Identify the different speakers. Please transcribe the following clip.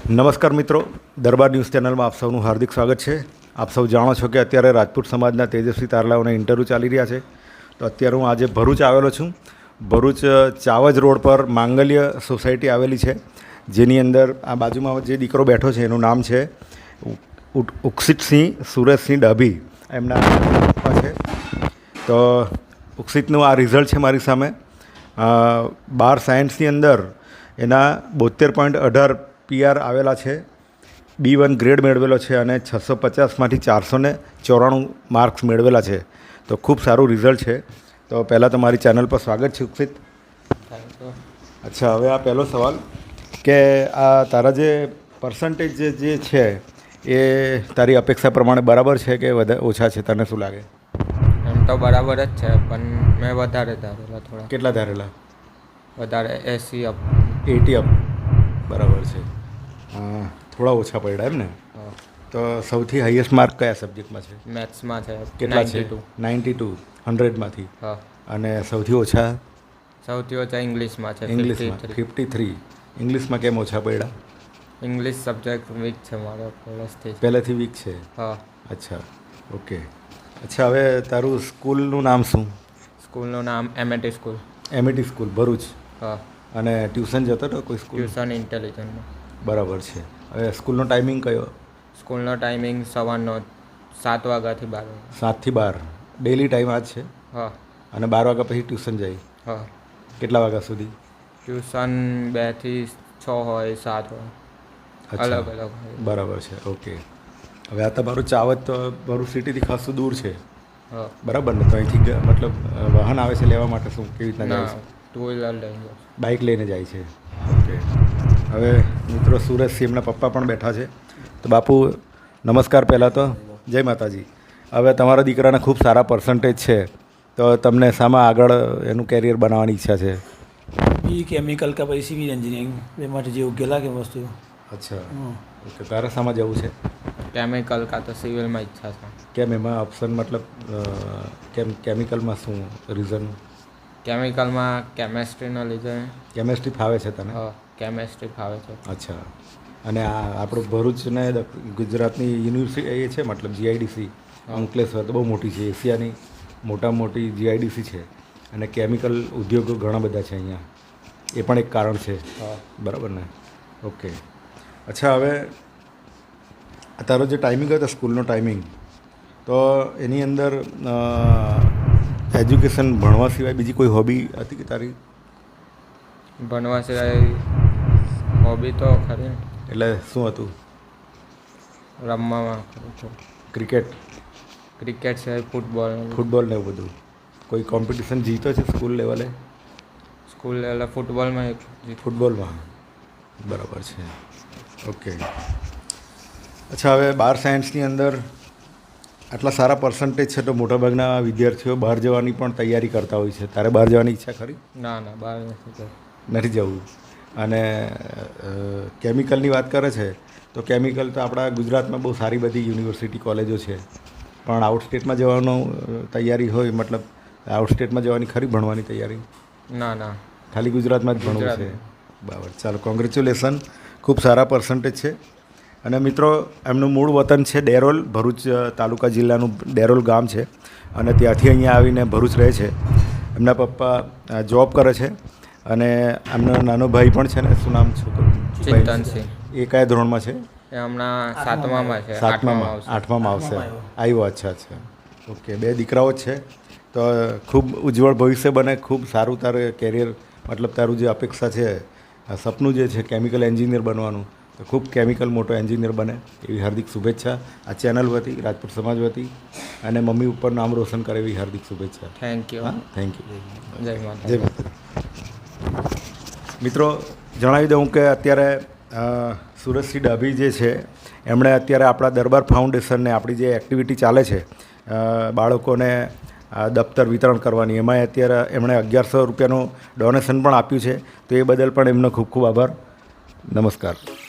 Speaker 1: નમસ્કાર મિત્રો, દરબાર ન્યૂઝ ચેનલમાં આપ સૌનું હાર્દિક સ્વાગત છે। આપ સૌ જાણો છો કે અત્યારે રાજપૂત સમાજના તેજસ્વી તારલાઓના ઇન્ટરવ્યૂ ચાલી રહ્યા છે। તો અત્યારે હું આજે ભરૂચ આવેલો છું। ભરૂચ ચાવજ રોડ પર માંગલ્ય સોસાયટી આવેલી છે, જેની અંદર આ બાજુમાં જે દીકરો બેઠો છે એનું નામ છે ઉક્ષિતસિંહ સુરેશસિંહ ડાભી, એમના પપ્પા છે। તો ઉક્ષિતનું આ રિઝલ્ટ છે મારી સામે। 12 સાયન્સની અંદર એના 72.18 PR આવેલા છે, B1 ગ્રેડ મેળવેલો છે અને 650માંથી 494 માર્ક્સ મેળવેલા છે। તો ખૂબ સારું રિઝલ્ટ છે। તો પહેલાં તો મારી ચેનલ પર સ્વાગત છે ઉક્ષિત। અચ્છા, હવે આ પહેલો સવાલ કે આ તારા જે પર્સન્ટેજ જે છે એ તારી અપેક્ષા પ્રમાણે બરાબર છે કે ઓછા છે, તને શું લાગે?
Speaker 2: એમ તો બરાબર જ છે, પણ મેં વધારે ધારેલા થોડા।
Speaker 1: કેટલા ધારેલા?
Speaker 2: વધારે 80 અપ।
Speaker 1: 80 અપ, બરાબર છે। થોડા ઓછા પડ્યા એમ ને? તો સૌથી હાઈએસ્ટ માર્ક કયા સબ્જેક્ટમાં છે?
Speaker 2: મેથ્સમાં છે।
Speaker 1: કેટલા છે? 92 100માંથી।
Speaker 2: હા।
Speaker 1: અને સૌથી ઓછા?
Speaker 2: સૌથી ઓછા ઇંગ્લિશમાં છે,
Speaker 1: ઇંગ્લિશમાં 53। ઇંગ્લિશમાં કેમ ઓછા પડ્યા?
Speaker 2: ઇંગ્લિશ સબ્જેક્ટ વીક છે મારો
Speaker 1: પહેલેથી વીક છે?
Speaker 2: હા।
Speaker 1: અચ્છા, ઓકે। અચ્છા, હવે તારું સ્કૂલનું નામ શું?
Speaker 2: સ્કૂલનું નામ MAT school.
Speaker 1: MAT school Bharuch?
Speaker 2: હા।
Speaker 1: અને ટ્યુશન જતો હતો કોઈ સ્કૂલ?
Speaker 2: ટ્યુશન ઇન્ટેલિજન્ટમાં।
Speaker 1: બરાબર છે। હવે સ્કૂલનો ટાઈમિંગ કયો?
Speaker 2: સ્કૂલનો ટાઈમિંગ સવારનો 7 વાગ્યાથી 12 વાગ્યા।
Speaker 1: 7 થી 12 ડેલી ટાઈમ આ જ છે?
Speaker 2: હા।
Speaker 1: અને 12 વાગ્યા પછી ટ્યુશન જાય?
Speaker 2: હા।
Speaker 1: કેટલા વાગ્યા સુધી?
Speaker 2: ટ્યુશન 2 થી 6 હોય, 7 હોય, અલગ અલગ હોય।
Speaker 1: બરાબર છે, ઓકે। હવે આ તમારું ચાવજ તો ભરૂચ સિટીથી ખાસું દૂર છે,
Speaker 2: હા
Speaker 1: બરાબર ને? તો અહીંથી મતલબ વાહન આવે છે લેવા માટે, શું કેવી રીતના જાય છે?
Speaker 2: 2 વ્હીલર લઈને
Speaker 1: બાઇક લઈને જાય છે, ઓકે। હવે મિત્રો સુરેશસિંહ એમના પપ્પા પણ બેઠા છે। તો બાપુ નમસ્કાર, પહેલાં તો જય માતાજી। હવે તમારા દીકરાના ખૂબ સારા પર્સન્ટેજ છે, તો તમને શામાં આગળ એનું કેરિયર બનાવવાની ઈચ્છા છે?
Speaker 3: બી કેમિકલ કે પછી સિવિલ એન્જિનિયરિંગ, બે માટે જે યોગ્ય લાગે વસ્તુ।
Speaker 1: અચ્છા, ઓકે। તારે શામાં જવું છે?
Speaker 2: કેમિકલ કાં તો સિવિલમાં ઈચ્છા છે।
Speaker 1: કેમ એમાં ઓપ્શન મતલબ કેમ કેમિકલમાં શું રીઝન?
Speaker 2: કેમિકલમાં કેમેસ્ટ્રીના લીધે।
Speaker 1: કેમેસ્ટ્રી ફાવે છે તને?
Speaker 2: હા, કેમેસ્ટ્રી ફાવે છે।
Speaker 1: અચ્છા, અને આ આપણું ભરૂચને ગુજરાતની યુનિવર્સિટી એ છે, મતલબ GIDC અંકલેશ્વર તો બહુ મોટી છે, એશિયાની મોટામાં મોટી GIDC છે, અને કેમિકલ ઉદ્યોગો ઘણા બધા છે અહીંયા, એ પણ એક કારણ છે, બરાબર ને? ઓકે। અચ્છા, હવે તારો જે ટાઈમિંગ હતો સ્કૂલનો ટાઈમિંગ, તો એની અંદર એજ્યુકેશન ભણવા સિવાય બીજી કોઈ હોબી હતી કે તારી?
Speaker 2: ભણવા સિવાય હોબી તો ખરી।
Speaker 1: એટલે શું હતું?
Speaker 2: રમવામાં કરું છું।
Speaker 1: ક્રિકેટ?
Speaker 2: ક્રિકેટ સિવાય
Speaker 1: ફૂટબોલ ને એવું બધું? કોઈ કોમ્પિટિશન જીતો છે સ્કૂલ લેવલે?
Speaker 2: સ્કૂલ લેવલે ફૂટબોલમાં
Speaker 1: ફૂટબોલમાં, બરાબર છે, ઓકે। અચ્છા, હવે 12 સાયન્સની અંદર આટલા સારા પર્સન્ટેજ છે, તો મોટાભાગના વિદ્યાર્થીઓ બહાર જવાની પણ તૈયારી કરતા હોય છે। તારે બહાર જવાની ઈચ્છા ખરી?
Speaker 2: ના, બહાર
Speaker 1: નથી જવું। અને કેમિકલની વાત કરે છે, તો કેમિકલ તો આપણા ગુજરાતમાં બહુ સારી બધી યુનિવર્સિટી કોલેજો છે, પણ આઉટ સ્ટેટમાં જવાનું તૈયારી હોય, મતલબ આઉટ સ્ટેટમાં જવાની ખરી ભણવાની તૈયારી?
Speaker 2: ના,
Speaker 1: ખાલી ગુજરાતમાં જ ભણવું છે, બરાબર। ચાલો, કોંગ્રેચ્યુલેશન, ખૂબ સારા પર્સન્ટેજ છે। અને મિત્રો, એમનું મૂળ વતન છે ડેરોલ, ભરૂચ તાલુકા જિલ્લાનું ડેરોલ ગામ છે, અને ત્યાંથી અહીંયા આવીને ભરૂચ રહે છે। એમના પપ્પા જોબ કરે છે, અને એમનો નાનો ભાઈ પણ છે ને, શું નામ છોકરું?
Speaker 2: ચિંતનસિંહ।
Speaker 1: એ કયા ધોરણમાં છે?
Speaker 2: એ હમણાં 7મામાં છે।
Speaker 1: 8મામાં આવશે, આવ્યો। અચ્છા, ઓકે। 2 દીકરાઓ જ છે, તો ખૂબ ઉજ્જવળ ભવિષ્ય બને, ખૂબ સારું તારે કેરિયર, મતલબ તારું જે અપેક્ષા છે, સપનું જે છે કેમિકલ એન્જિનિયર બનવાનું, તો ખૂબ કેમિકલ મોટો એન્જિનિયર બને એવી હાર્દિક શુભેચ્છા આ ચેનલ વતી, રાજપૂત સમાજ વતી, અને મમ્મી ઉપર નામ રોશન કરે એવી હાર્દિક શુભેચ્છા।
Speaker 2: Thank you.
Speaker 1: હા, થેન્ક યુ।
Speaker 2: જય માતા।
Speaker 1: જય માતા। મિત્રો, જણાવી દઉં કે અત્યારે સુરેશસિંહ ડાભી જે છે, એમણે અત્યારે આપણા દરબાર ફાઉન્ડેશનને આપણી જે એક્ટિવિટી ચાલે છે બાળકોને દફતર વિતરણ કરવાની, એમાં અત્યારે એમણે 1100 રૂપિયાનું ડોનેશન પણ આપ્યું છે, તો એ બદલ પણ એમનો ખૂબ ખૂબ આભાર। નમસ્કાર।